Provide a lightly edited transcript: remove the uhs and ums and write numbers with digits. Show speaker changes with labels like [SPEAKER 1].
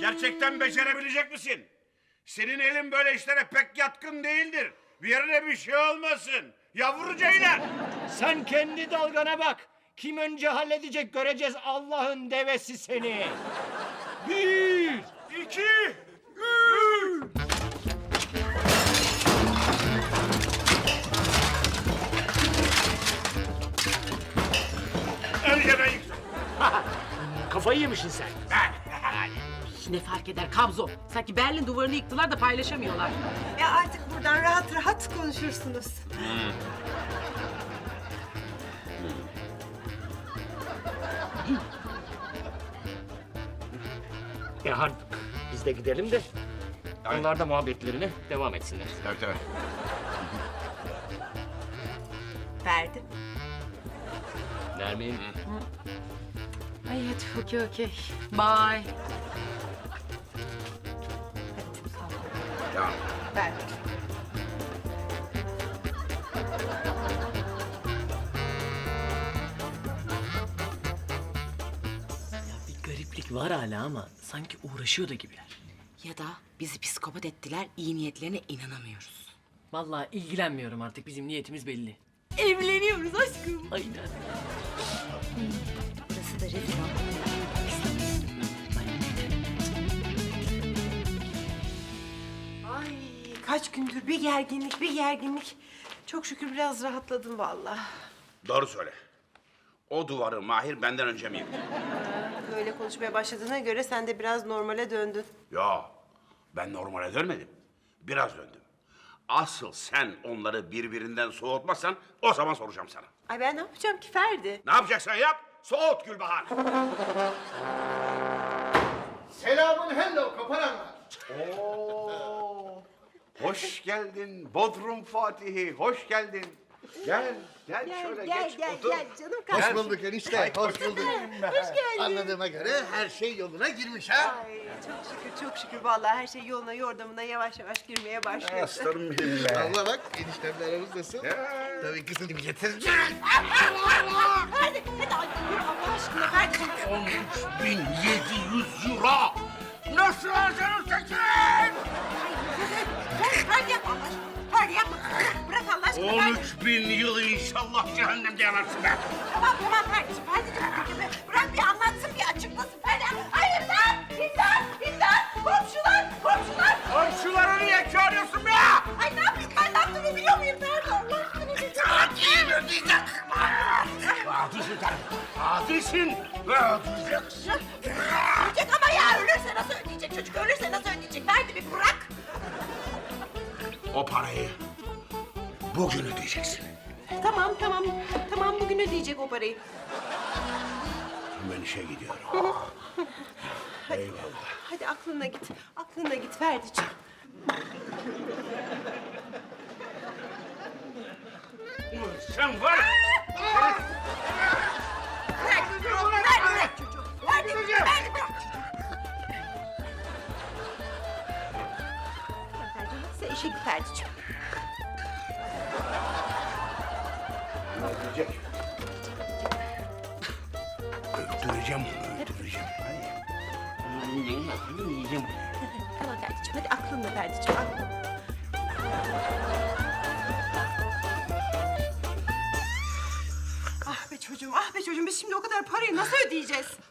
[SPEAKER 1] Gerçekten becerebilecek misin? Senin elin böyle işlere pek yatkın değildir. Bir yerine bir şey olmasın. Yavru ceylan.
[SPEAKER 2] Sen kendi dalgana bak. Kim önce halledecek göreceğiz Allah'ın devesi seni. 1, 2, 3.
[SPEAKER 1] Önce ben yıktım.
[SPEAKER 2] Kafayı yemişsin sen.
[SPEAKER 3] Ne fark eder kabzo? Sanki Berlin duvarını yıktılar da paylaşamıyorlar.
[SPEAKER 4] Ya artık buradan rahat rahat konuşursunuz.
[SPEAKER 2] Artık biz de gidelim de onlar da muhabbetlerine devam etsinler.
[SPEAKER 1] Tabii tabii.
[SPEAKER 4] Ferdi.
[SPEAKER 2] Nermin.
[SPEAKER 3] Ay hadi okey. Bye.
[SPEAKER 1] Tamam.
[SPEAKER 4] Ferdi.
[SPEAKER 5] Bir gariplik var hala ama sanki uğraşıyor da gibiler.
[SPEAKER 3] Ya da bizi psikopat ettiler, iyi niyetlerine inanamıyoruz.
[SPEAKER 5] Vallahi ilgilenmiyorum artık, bizim niyetimiz belli.
[SPEAKER 3] Evleniyoruz aşkım.
[SPEAKER 5] Aynen.
[SPEAKER 4] Burası da rezil oldu. Ay kaç gündür bir gerginlik bir gerginlik. Çok şükür biraz rahatladım vallahi.
[SPEAKER 1] Doğru söyle. O duvarı Mahir benden önce mi yıktı?
[SPEAKER 4] Böyle konuşmaya başladığına göre sen de biraz normale döndün.
[SPEAKER 1] Yo, ben normale dönmedim. Biraz döndüm. Asıl sen onları birbirinden soğutmazsan o zaman soracağım sana.
[SPEAKER 4] Ay ben ne yapacağım ki Ferdi?
[SPEAKER 1] Ne yapacaksan yap, soğut Gülbahar.
[SPEAKER 6] Selamun hello kaparanlar.
[SPEAKER 1] Hoş geldin Bodrum Fatihi, hoş geldin. Gel şöyle geç otur.
[SPEAKER 4] canım
[SPEAKER 6] Hoş
[SPEAKER 4] kardeşim.
[SPEAKER 6] bulduk enişte, hoş bulduk.
[SPEAKER 4] Hoş geldin.
[SPEAKER 6] Anladığıma göre her şey yoluna girmiş ha?
[SPEAKER 4] Ay çok şükür vallahi her şey yoluna yordamına yavaş yavaş girmeye başlıyor.
[SPEAKER 1] Aslanım benim be.
[SPEAKER 6] Allah bak eniştemle aramız nasıl? Tabii kızım getireceğim.
[SPEAKER 4] Hadi ay, yürü Allah aşkına Ferdi'cim.
[SPEAKER 1] 13.700 euro. Nasıl harcanır
[SPEAKER 4] Ferdi yapma Allah aşkına. Ferdi yapma. Bırak Allah aşkına Ferdi.
[SPEAKER 1] 13.000 yıl inşallah cehennemde yanarsın be.
[SPEAKER 4] Tamam Ferdi'cim. Ferdi'cim bırak bir anlatsın bir açıklasın Ferdi. Hayır lan! İmdat! Komşular!
[SPEAKER 1] Komşuları niye çağırıyorsun be?
[SPEAKER 4] Ay ne yapayım ben ne yaptığımı biliyor muyum Ferdi? Allah aşkına bir
[SPEAKER 1] Katil ödeyecek. Katilsin sen. Katilsin ve ödeyeceksin.
[SPEAKER 4] ödeyecek ama ya ölürse nasıl ödeyecek? Çocuk ölürse nasıl ödeyecek? Ferdi bir bırak.
[SPEAKER 1] O parayı bugün ödeyeceksin.
[SPEAKER 4] Tamam bugün ödeyecek o parayı.
[SPEAKER 1] Ben işe gidiyorum. Eyvallah.
[SPEAKER 4] Hadi aklına git Ferdi'ciğim.
[SPEAKER 1] Sen var.
[SPEAKER 4] Bırak çocuğu. Ferdi bırak. Sen işe git Ferdi'ciğim.
[SPEAKER 1] Öldürecek. Öldüreceğim onu, öldüreceğim. Hadi. Yiyeceğim.
[SPEAKER 4] Tamam Ferdi'ciğim hadi aklınla Ferdi'ciğim aklınla. Ah be çocuğum biz şimdi o kadar parayı nasıl ödeyeceğiz?